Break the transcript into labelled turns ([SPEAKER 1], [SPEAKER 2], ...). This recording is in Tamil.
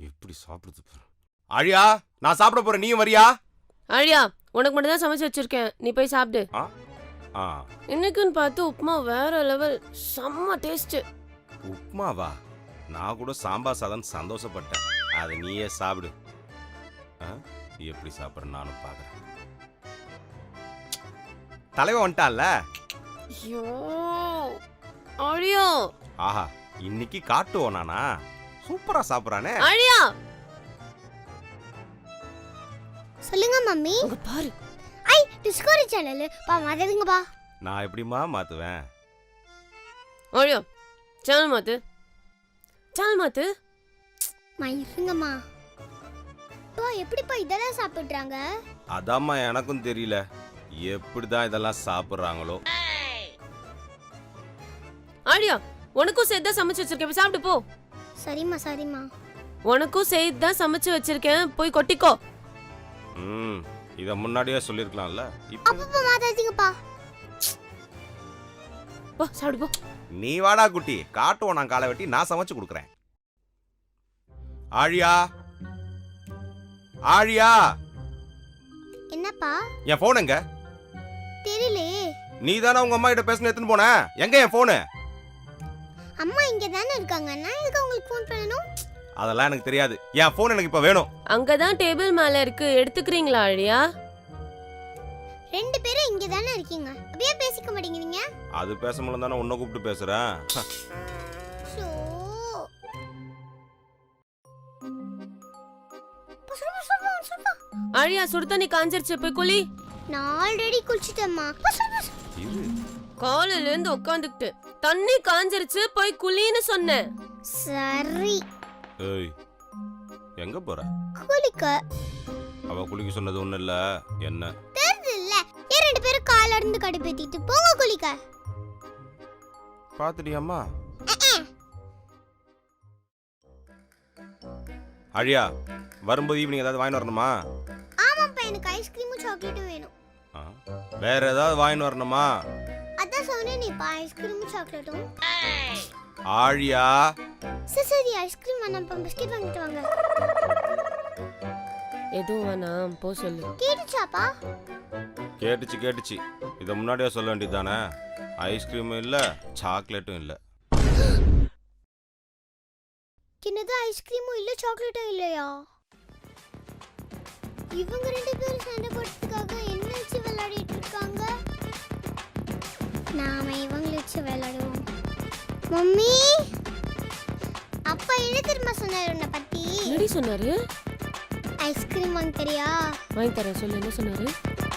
[SPEAKER 1] எப்படி சாப்பிடுது பாரு. ஆழியா, நான் சாப்பிட போறேன், நீயும் வரியா?
[SPEAKER 2] ஆழியா, உனக்கு மட்டும் தான் சமைச்சு வச்சிருக்கேன், நீ போய் சாப்பிடு. இன்னைக்குன்னு பார்த்து உப்புமா வேற லெவல், செம்ம டேஸ்ட்.
[SPEAKER 1] உப்புமாவா? நான் கூட சாம்பார் சாதம் சந்தோஷப்பட்டேன். அதை நீயே சாப்பிடு. எப்படி சாப்பிட்ற நானும் பார்க்குறேன். தலைவன் வந்துட்டான்ல.
[SPEAKER 2] ஐயோ ஆழியா,
[SPEAKER 1] ஆஹா, இன்னைக்கு காட்டுவோம் நானா? சூப்பரா சாப்பிட்றானே.
[SPEAKER 2] ஆழியா
[SPEAKER 3] சொல்லுங்க மம்மி.
[SPEAKER 2] அங்க பாரு.
[SPEAKER 3] ஐ டிஸ்கவரி சேனல் பா மாத்துங்க பா.
[SPEAKER 1] நான் எப்படிமா மாத்துவேன்?
[SPEAKER 2] ஆழியா சேனல் மாத்து, சேனல் மாத்து.
[SPEAKER 3] இருங்கம்மா. பா எப்படிப்பா இதெல்லாம் சாப்பிடுறாங்க?
[SPEAKER 1] அதாம்மா எனக்கும் தெரியல, எப்படிதான் இதெல்லாம் சாப்பிடுறாங்களோ.
[SPEAKER 2] ஆழியா, உனக்கும் சேர்த்து தான் சமைச்சு வச்சிருக்கேன், போய் சாப்பிட்டு போ.
[SPEAKER 3] சரிம்மா சரிம்மா.
[SPEAKER 2] உனக்கும் சேர்த்து தான் சமைச்சு வச்சிருக்கேன், போய் கொட்டிக்கோ.
[SPEAKER 1] இத முன்னாடியே சொல்லிருக்கலாம்ல.
[SPEAKER 3] அப்பப்பா மாத்தாதீங்கப்பா.
[SPEAKER 2] போ சாப்பிடு போ.
[SPEAKER 1] நீ வாடா குட்டி, காட்டுவோம் நான் காலை வெட்டி நான் சமைச்சு கொடுக்குறேன். ஆழியா, ஆழியா.
[SPEAKER 3] என்னப்பா?
[SPEAKER 1] என் போன் எங்க?
[SPEAKER 3] தெரியலையே.
[SPEAKER 1] நீ தானே உங்க அம்மா கிட்ட பேசணும் எடுத்துன்னு போன, எங்க என் போனு?
[SPEAKER 3] அம்மா இங்க தானே இருக்காங்க, நான் எதுக்கு உங்களுக்கு ஃபோன் பண்ணணும்?
[SPEAKER 1] அதெல்லாம் எனக்கு தெரியாது, என் போன் எனக்கு இப்ப வேணும்.
[SPEAKER 2] அங்கதான் டேபிள் மேல இருக்கு, எடுத்துக்கிறீங்களா ஆழியா?
[SPEAKER 3] ரெண்டு பேரும் இங்க தானே இருக்கீங்க, அப்படியே பேசிக்க மாட்டேங்கிறீங்க?
[SPEAKER 1] அது பேச முடியல தானே உன்னை கூப்பிட்டு பேசுறேன்.
[SPEAKER 2] ஆழியா, சுடு தண்ணி காஞ்சிருச்சு, போய் குளி.
[SPEAKER 3] நான் ஆல்ரெடி குளிச்சிட்டேம்மா.
[SPEAKER 2] காலையில இருந்து உட்காந்துக்கிட்டு தண்ணி காஞ்சிருச்சு, போய் குளின்னு சொன்னேன்.
[SPEAKER 3] சரி.
[SPEAKER 1] ஏய், எங்க போற?
[SPEAKER 3] குளிக்க.
[SPEAKER 1] அவ குளிக்க சொன்னது ஒண்ணு இல்ல, என்ன
[SPEAKER 3] தெரியல. ஏன் ரெண்டு பேரும் கால்ல இருந்து கடுப்பேத்திட்டு போங்க குளிக்க.
[SPEAKER 1] பாத்துட்டியாம்மா? அழியா, வரும்போது ஈவினிங் ஏதாவது வாங்கி வரணுமா?
[SPEAKER 3] ஆமாப்பா, எனக்கு ஐஸ்கிரீமும் சாக்லேட்டும் வேணும்.
[SPEAKER 1] வேற ஏதாவது வாங்கி வரணுமா?
[SPEAKER 3] அதான் சொன்னேனேப்பா, ஐஸ்கிரீமும் சாக்லேட்டும்.
[SPEAKER 1] ஆழியா.
[SPEAKER 3] சரி ஐஸ்கிரீம் வேணாம்ப்பா, பிஸ்கட் வாங்கிட்டு வாங்க.
[SPEAKER 2] எதுவும் வேணாம், போ சொல்லு.
[SPEAKER 3] கேட்டுச்சாப்பா?
[SPEAKER 1] கேட்டுச்சு. இத முன்னாடியே சொல்ல வேண்டியதானே? ஐஸ்கிரீமும் இல்ல, சாக்லேட்டும் இல்ல.
[SPEAKER 3] என்னது, ஐஸ்கிரீமும் இல்ல சாக்லேட்டும் இல்லையா? இவங்க ரெண்டு பேரும் சண்டை போடுறதுக்காக என்ன வச்சு விளையாடிட்டு இருக்காங்க? நாம இவங்களை வச்சு விளையாடுவோம். மம்மி, அப்பா என்ன தெரியுமா சொன்னாரு உன்னை பத்தி?
[SPEAKER 2] என்னடி சொன்னாரு?
[SPEAKER 3] ஐஸ்கிரீம் வாங்கி தரியா?
[SPEAKER 2] வாங்கி தரேன், சொல்லு, என்ன சொன்னாரு?